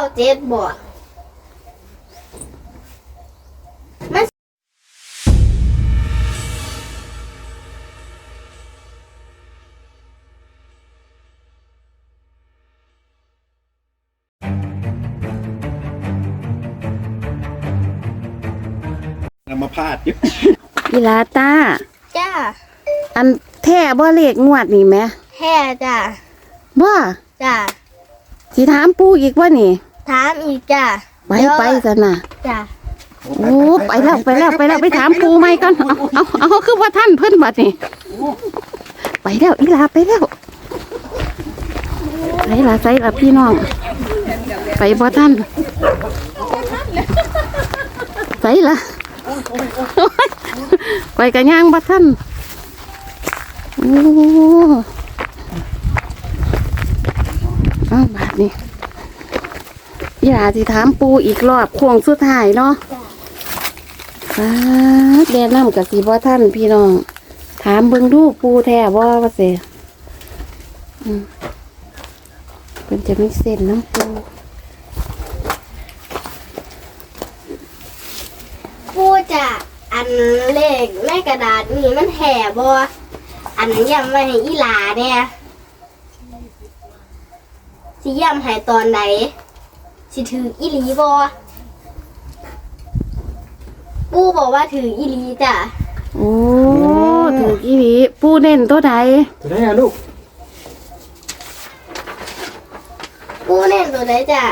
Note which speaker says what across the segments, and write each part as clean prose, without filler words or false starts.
Speaker 1: 7บ่มัน
Speaker 2: นำมาพาดอยู่
Speaker 3: อีหลาตา
Speaker 1: จ้า
Speaker 3: อันแท้บ่เลขงวดนี่แหม
Speaker 1: แท้จ้า
Speaker 3: บ่
Speaker 1: จ้า
Speaker 3: สิถามปู่อีกว่านี่
Speaker 1: ถามอีกจ้า
Speaker 3: ไปซะน่ะ
Speaker 1: จ้า
Speaker 3: โอ้ไปแล้วไปถามปู่ใหม่ก่อนเอาคือว่าท่านเพิ่นบัดนี่ไปแล้วอีหลาไปแล้วใส่ละพี่น้องไปบ่ท่านใส่ละไปกะย่างบ่ท่านโอ้บาดนี่อีหลาสิถามปู่อีกรอบโค้งสุดท้ายเนาะแนะนำกับสีบ่ท่านพี่น้องถามเบิ่งดูปูแท้บ่ว่าเสเพิ่นจะมีเส้นน้ำปู
Speaker 1: ปูจ้าอันเลขในกระดาษนี่มันแท้บ่อันย้ำไว้ให้อีหลาเนี่ยสิย้ำให้ตอนไหนสิถืออีหลีบ่ปูบอกว่าถืออีหลีจ้ะ
Speaker 3: โอ้ถูกอีหลีปูเน้นตัวใด
Speaker 2: จะได้อะลูก
Speaker 1: ปูเล่นตัวไหนจ้ะ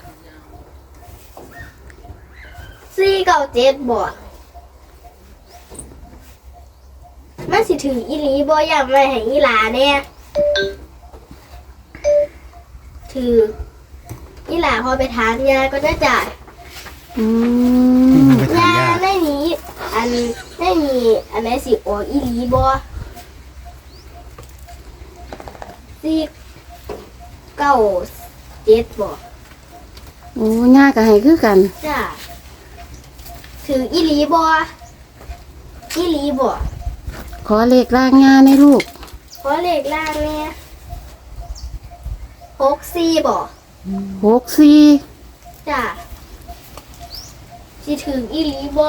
Speaker 1: 497บ่มันสิถืออีหลีบ่ย้ำไว้ให้อีหลาเนี่ยถืออีหลาพอไปถามยายก็ได้จ้ะ
Speaker 3: อืม
Speaker 2: ไปถาม
Speaker 1: ยา
Speaker 2: ย่า
Speaker 1: ไม่มีอันไม่มีอันไหนสิออกอีหลีบ่497บ่
Speaker 3: โอ้ย่าก็ให้คือกัน
Speaker 1: จ้ะถืออีหลีบ่อีหลีบ่
Speaker 3: ขอเลขร่างย่าในลูก
Speaker 1: ขอเลขล่างแน่64บ่
Speaker 3: 64
Speaker 1: จ้ะสิถืออีหลีบ่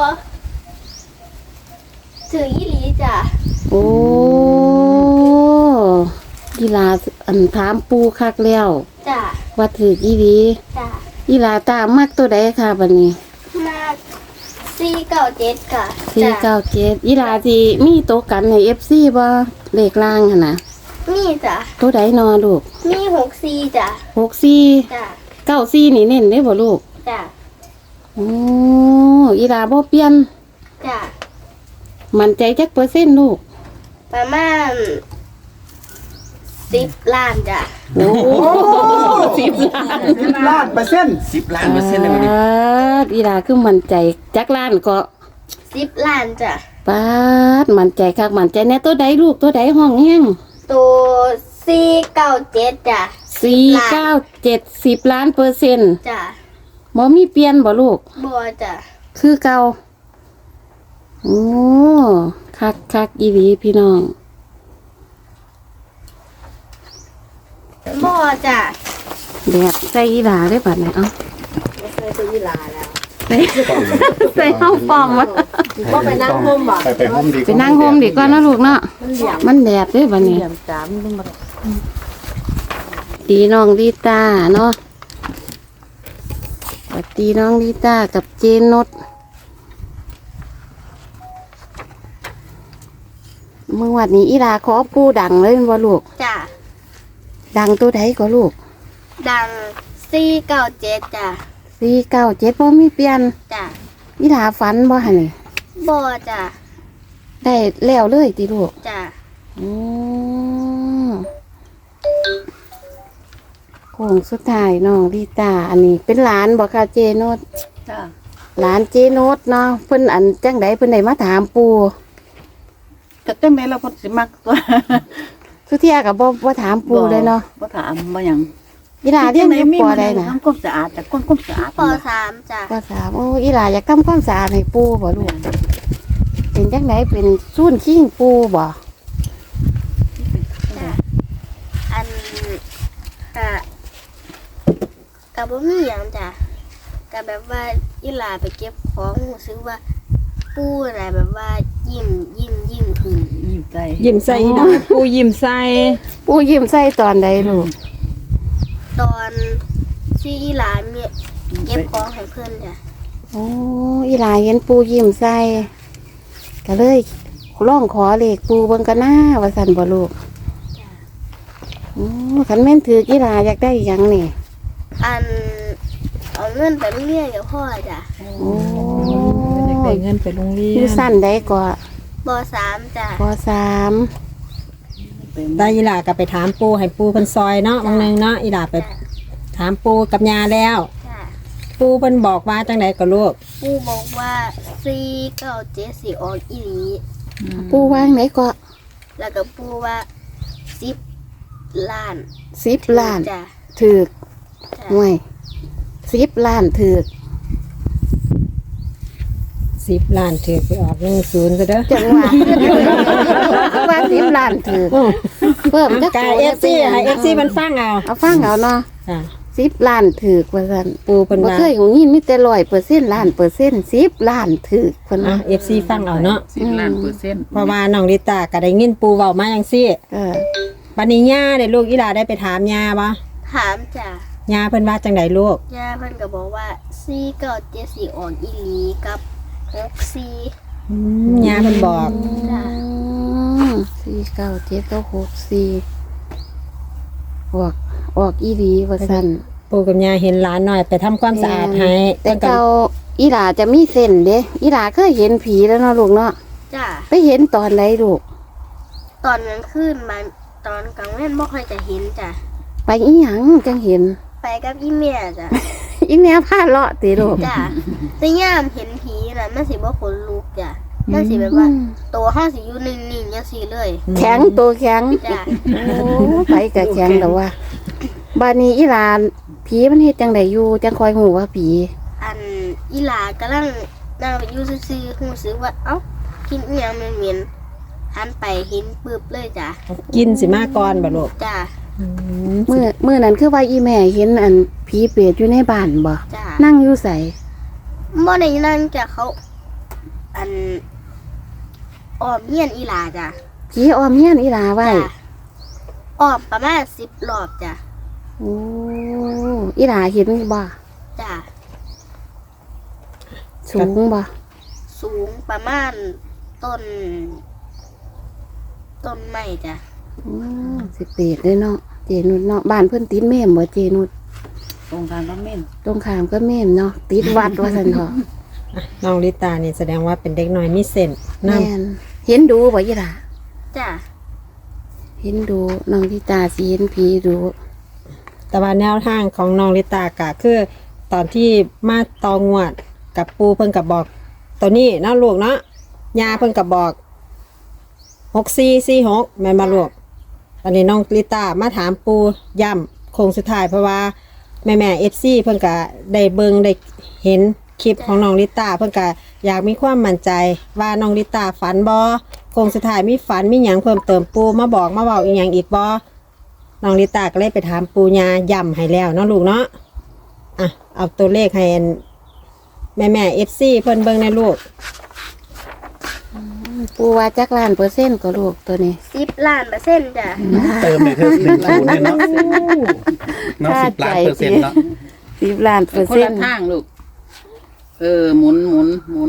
Speaker 1: ถืออีหลีจ้ะ
Speaker 3: โอ้อีหลาอันถามปูคักแล้ว
Speaker 1: จ้ะ
Speaker 3: ว่าถูกอีหลี
Speaker 1: จ้ะ
Speaker 3: อีหลาตามมักตัวใดค่ะบัดนี้
Speaker 1: มา497ค่ะจ้ะ
Speaker 3: 497อีหลาสิมีโตวกันให้ FC บ่เลขล่างหั่นน่ะ
Speaker 1: นี่จ้ะ
Speaker 3: ตัวใดนอลูก
Speaker 1: มี64จ้ะ
Speaker 3: 64
Speaker 1: จ้ะ
Speaker 3: 94นี่เน้นได้บ่ลูก
Speaker 1: จ้ะ
Speaker 3: โอ้อีหลาบ่เปลี่ยน
Speaker 1: จ้ะ
Speaker 3: มั่นใจจักเปอร์เซ็นต์ลูก
Speaker 1: ประมาณ10 ล้านจ้ะ
Speaker 3: โอ้10 ล้าน
Speaker 2: 10% 10 ล้านเปอร์เซ็นต์เลยวันนี้
Speaker 3: อีหลาคือมั่นใจจักล้านก็
Speaker 1: 10 ล้านจ้ะ
Speaker 3: ป๊าดมั่นใจคักมั่นใจแน่ตัวใดลูกตัวใดห้องแฮง
Speaker 1: ตัว497จ้ะ
Speaker 3: 497 10 ล้านเปอร์เซ็นต์
Speaker 1: จ้ะ
Speaker 3: บ่มีเปลี่ยนบ่ลูก
Speaker 1: บัวจ้ะ
Speaker 3: คือเก่าโอ้คักอีหลีพี่น้อง
Speaker 1: บัวจ้ะ
Speaker 3: แบบใส่อีหลาได้บัดนี้เอ้า
Speaker 1: เคยซื้อลาแล้ว
Speaker 3: ใส่ห้องฟอมวะ
Speaker 1: ก็ไปนั่งห่มบ่
Speaker 2: ไปห่มดี
Speaker 3: ไปนั่งโฮมดีกว่านะลูกเนาะมันแดดเด้บัดนี้
Speaker 1: จามนึงบ่
Speaker 3: ดีน้องดีตาเนาะสวัสดีน้องดีตากับเจนนดเมื่อวันนี้อีลาขอปูดังเลยแม่นบ่ลูก
Speaker 1: จ้ะ
Speaker 3: ดังตัวใดก็ลูก
Speaker 1: ดัง497จ้ะ
Speaker 3: 497บ่มีเปลี่ยน
Speaker 1: จ้ะ
Speaker 3: อีลาฝันบ่หั่นนี่
Speaker 1: บัวจ้ะ
Speaker 3: ได้แล้วเลยติลูก
Speaker 1: จ้ะ
Speaker 3: อืมโค้งสุดท้ายน้องดีตาอันนี้เป็นหลานบ่ค่ะเจนด
Speaker 1: จ้ะ
Speaker 3: หลานเจนดเนาะเพิ่นอันจังไดเพิ่นได้มาถามปู่
Speaker 4: ก็จังได๋เราเพิ่นสิมักตัว
Speaker 3: สุเที่ยก็บ่ถามปู่เลยเนาะ
Speaker 4: บ่ถามบ่หยัง
Speaker 3: อีหลาเรียนอยู่ปอใดน่ะ
Speaker 4: ทำความสะอาดแต่คนความสะอาด
Speaker 1: ป.3จ้ะ
Speaker 3: ป.3โอ้อีหลาอยากทำความสะอาดให้ปู่บ่ลูกเป็นจังไดเป็นซูนขิงปู่บ่
Speaker 1: จ้ะอันค่ะกับบ่มีหยังจ้ะกับแบบว่าอีหลาไปเก็บของรู้สึกว่าปูอะไรแบบว่ายิ้มขึ้น
Speaker 4: ยิ้มใจ
Speaker 5: ยิ้มใส่ดาปูยิ้มใส่
Speaker 3: ปู่ยิ้มใส่ตอนใดลูก
Speaker 1: ตอนที่อีหลามีเก็บของให้เพื่อนจ้ะ
Speaker 3: โอ้อีหลาเห็นปู่ยิ้มใส่ก็เลยร้องขอเลขปู่เบิ่งกันหน้าว่าซั่นบ่ลูกโอ้คันแม่นถืออีหลาอยากได้หยังนี่
Speaker 1: อันเอาเงินไปโรงเรียนกับพ่อจ้ะ
Speaker 3: โอ้
Speaker 5: อยากได้เงินไปโรงเรีย
Speaker 3: อยู่
Speaker 5: น
Speaker 3: สั้นได้ก็
Speaker 1: ป .3 จ้ะ
Speaker 3: ปสาม
Speaker 6: ได้อีหลาก็ไปถามปูให้ปูเพิ่นซอยเนาะบางนึงเนาะอีหลาไปถามปูกับยาแล้ว
Speaker 1: จ้ะ
Speaker 6: ปูเพิ่นบอกว่าจังไดก็ลูก
Speaker 1: ปูบอกว่า497สิออกอีหลี
Speaker 3: ปู่วางไหนก็
Speaker 1: แล้วก็ปูว่า10 ล้าน
Speaker 3: 10 ล้าน
Speaker 1: จ้ะ
Speaker 3: ถือก
Speaker 1: จ้ะ
Speaker 3: ห่วย10 ล้านถือก
Speaker 6: 10 ล้านถือไปออก10ซะเด้อ
Speaker 3: จังหวะ ว่า10 ล้านถือกเพิ่มจัก
Speaker 6: กาย
Speaker 3: ตัว
Speaker 6: FC ให้ FC มันฟังเอา
Speaker 3: เอาฟังเอาเนาะ
Speaker 6: ค่ะ
Speaker 3: 10 ล้านถือกว่าซั่น
Speaker 6: ปูเพิ่น
Speaker 3: บ่
Speaker 6: ว่า
Speaker 3: เคยของยินมีแต่100%ล้านเปอร์เซ็นต์10 ล้านถือกเพิ่น
Speaker 6: อ่ะ
Speaker 3: ว่า
Speaker 6: FC ฟังเอาเนาะ
Speaker 4: 10 ล้านเปอร์เซ็นต์
Speaker 6: เพราะว่าน้องลิตาก็ได้ยินปูเว้ามาจังซี่
Speaker 3: เออ
Speaker 6: บัดนี้ย่าได้ลูกอีหลาได้ไปถามย่าบ่
Speaker 1: ถามจ้ะ
Speaker 6: ย่าเพิ่นว่าจังไดลูก
Speaker 1: ย่าเพิ่นก็บอกว่า497สิออกอีหลีกับ64
Speaker 6: ย่าเพิ่นบอก
Speaker 1: จ้ะ
Speaker 3: 497ก็64ออกอีหลีว่าซั่น
Speaker 6: ปูกับย่าเห็นหลานหน่อยไปทำความสะอาดให้
Speaker 3: แต่เก่าอีหลาจะมีเส้นเด้อีหลาเคยเห็นผีแล้วเนาะลูกเนาะ
Speaker 1: จ้ะ
Speaker 3: ไปเห็นตอนไหนลูก
Speaker 1: ตอนกลางคืนมาตอนกลางวันบ่ค่อยจะเห็นจ้ะ
Speaker 3: ไปอีหยังจังเห็น
Speaker 1: ไปกับอีเมียจ้ะ
Speaker 3: อีแม่พาเลาะติลูก
Speaker 1: จ้ะแต่ยามเห็นผีน่ะมันสิบ่ขนลุกจ้ะมันสิแบบว่าตัวเฮาสิอยู่นิ่งๆจังซี่เลย
Speaker 3: แข็งตัวแข็ง
Speaker 1: จ้ะ
Speaker 3: โอ้ไปกับแข็งแต่ว่าบานี้อีหลานผีมันเฮ็ดจังไดอยู่จังคอยหูว่าผี
Speaker 1: อันอีหลากำลังนั่งอยู่ซื่อๆรู้สึกว่าเอ้ากินอีหยังเหม็นๆหันไปเห็นปึ๊บเลยจ้ะ
Speaker 6: กินสิมาก่อนบ่ลูก
Speaker 1: จ้ะ
Speaker 3: มื้อนั้นคือว่าอีแม่เห็นอันผีเปรตอยู่ในบ้านบ่
Speaker 1: จ้ะ
Speaker 3: นั่งอยู่ไส
Speaker 1: บ่ได้นั่งจ้ะเขา อันอ้อมเฮียนอีหลาจ้ะ
Speaker 3: ผีออมเฮียนอีหลาไว้
Speaker 1: จ้ะอ้อมประมาณ10 รอบจ้ะ
Speaker 3: โอ้อีหลาเห็นบ่
Speaker 1: จ้ะ
Speaker 3: สูงบ่
Speaker 1: สูงประมาณต้นไม้จ้ะ
Speaker 3: โอ้สิเปรตเด้อเนาะเจนุดเนาะบ้านเพิ่นติดแม่มบ่เจนุด
Speaker 4: ตรงการบ่แม่น
Speaker 3: ตรงข้ามก็แม่มเนาะติดวัดว่าซั่นเถาะ
Speaker 6: น้องลิตานี่แสดงว่าเป็นเด็กน้อยมีเส้น
Speaker 3: แม่
Speaker 6: นำ
Speaker 3: นเห็นดูบ่อีหลา
Speaker 1: จ้ะ
Speaker 3: เห็นดูน้องที่ตาสิเห็นผีดู
Speaker 6: แต่ว่าแนวทางของน้องลิตากะคือตอนที่มาตองวดกับปูเพิ่นกับบอก ตัวนี้เนาะลูกเนาะยาเพิ่นกับบอก6446แม่นบ่ลูกตอนนี้น้องลิตามาถามปูย้ำโค้งสุดท้ายเพราะว่าแม่ๆ FC เพิ่นก็ได้เบิ่งได้เห็นคลิปของน้องลิตาเพิ่นก็อยากมีความมั่นใจว่าน้องลิตาฝันบ่โค้งสุดท้ายมีฝันมีหยังเพิ่มเติมปูมาบอกมาเว้าอีหยังอีกบ่ น้องลิตาก็เลยไปถามปูญาย่ำให้แล้วเนาะลูกเนาะ อ่ะ เอาตัวเลขให้แม่FC เพิ่นเบิ่งในลูก
Speaker 3: ปูว่าจักล้านเปอร์เซ็นต์ก็ลูกตัวนี้
Speaker 1: 10 ล้านเปอร์เซ็นต์จ้ะ
Speaker 2: เติมเลยเธอ1 0เนี่ยเนาะเนาะ10 ล้านเปอร์เซ็นต์เนาะ
Speaker 3: 10 ล้านเปอร์
Speaker 4: คน
Speaker 3: เซ็น
Speaker 4: ละ
Speaker 3: ต์
Speaker 4: ทางลูกหมุน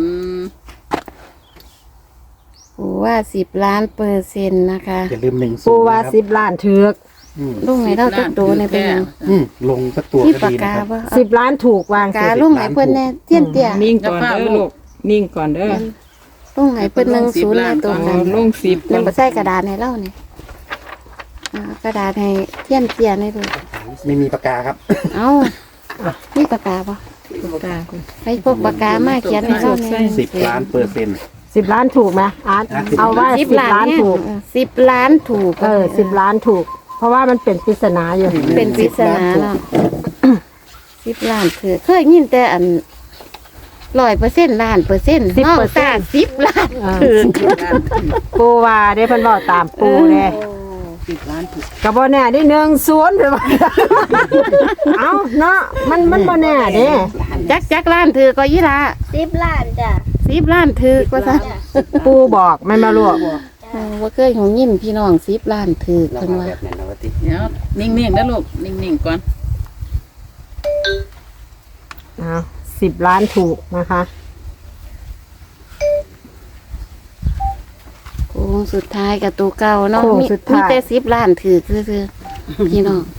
Speaker 3: ปูว่า10 ล้านเปอร์เซ็นต์นะคะ
Speaker 2: อย่าลืม10
Speaker 6: ปูว่า
Speaker 2: นะครับ
Speaker 6: 10 ล้านถือก
Speaker 3: ลุงให้เราจักโตในเป็นหยัง
Speaker 2: ลงสักตัว
Speaker 3: ที่
Speaker 2: ก็
Speaker 3: ปาก
Speaker 2: ดีนะ
Speaker 3: กา
Speaker 2: ครับ
Speaker 3: บ่
Speaker 6: 10 ล้านถูกวาง
Speaker 3: กา
Speaker 6: สิ
Speaker 3: ลุงให้เพิ่นแน่เตี้ยนเตี้ย
Speaker 5: นิ่งก่อนเด้อลูกนิ่งก่อนเด้อ
Speaker 3: ลุงให้เพิ่น10ในตัว
Speaker 5: เอา
Speaker 3: กัน
Speaker 5: ลง10ก่
Speaker 3: ยั
Speaker 5: อง น
Speaker 3: บ่ใส่กระดาษให้เรานี่กระดาษให้เตี้ยนเตี้ยให้ดู
Speaker 2: ไม่มีปากกาครับ
Speaker 3: เอ้ามีปากกาบ่
Speaker 5: ตาคุณ
Speaker 3: ให้พวกปากกามาเขียนให้เราแน่
Speaker 2: 10 ล้านเปอร์เซ็นต์
Speaker 6: 10 ล้านถูกไหมอาร์ตเอาว่า
Speaker 3: 10
Speaker 6: 10 ล้านถูก
Speaker 3: 10 ล้านถูก
Speaker 6: 10 ล้านถูก เพราะว่ามันเป็นปริศนาอยู่
Speaker 3: เป็นปริศนาเนาะ10 ล้านคือเคยยินแต่อัน100%ล้านเปอร์เซ็นต์เฮาตา10 ล้านคือ
Speaker 6: ปูว่าได้เพิ่นบอกตามปูเด้
Speaker 4: 10 ล้านถูก
Speaker 6: ก็บ่แน่ได้10ไปว่า เอาเนาะมันบ่แน่เด้
Speaker 3: จักล้านถือก็อีหลา
Speaker 1: 10 ล้านจ้ะ
Speaker 3: 10ล้านถือว่าซั่น
Speaker 1: จ้ะ
Speaker 6: ปูบอกแม่นบ่ลูก
Speaker 3: ว่าเคยของยินพี่น้อง10ล้านถือเพิ่นว่า
Speaker 4: เดี๋ยวนิ่งๆนะลูกนิ่งๆก่อน
Speaker 6: เอา10 ล้านถูกนะคะ
Speaker 3: โค้งสุดท้ายกับตัวเก่าเนาะ
Speaker 6: โค้ง
Speaker 3: มี
Speaker 6: สุดท้าย
Speaker 3: แต่10ล้านถือคือพี่น้อง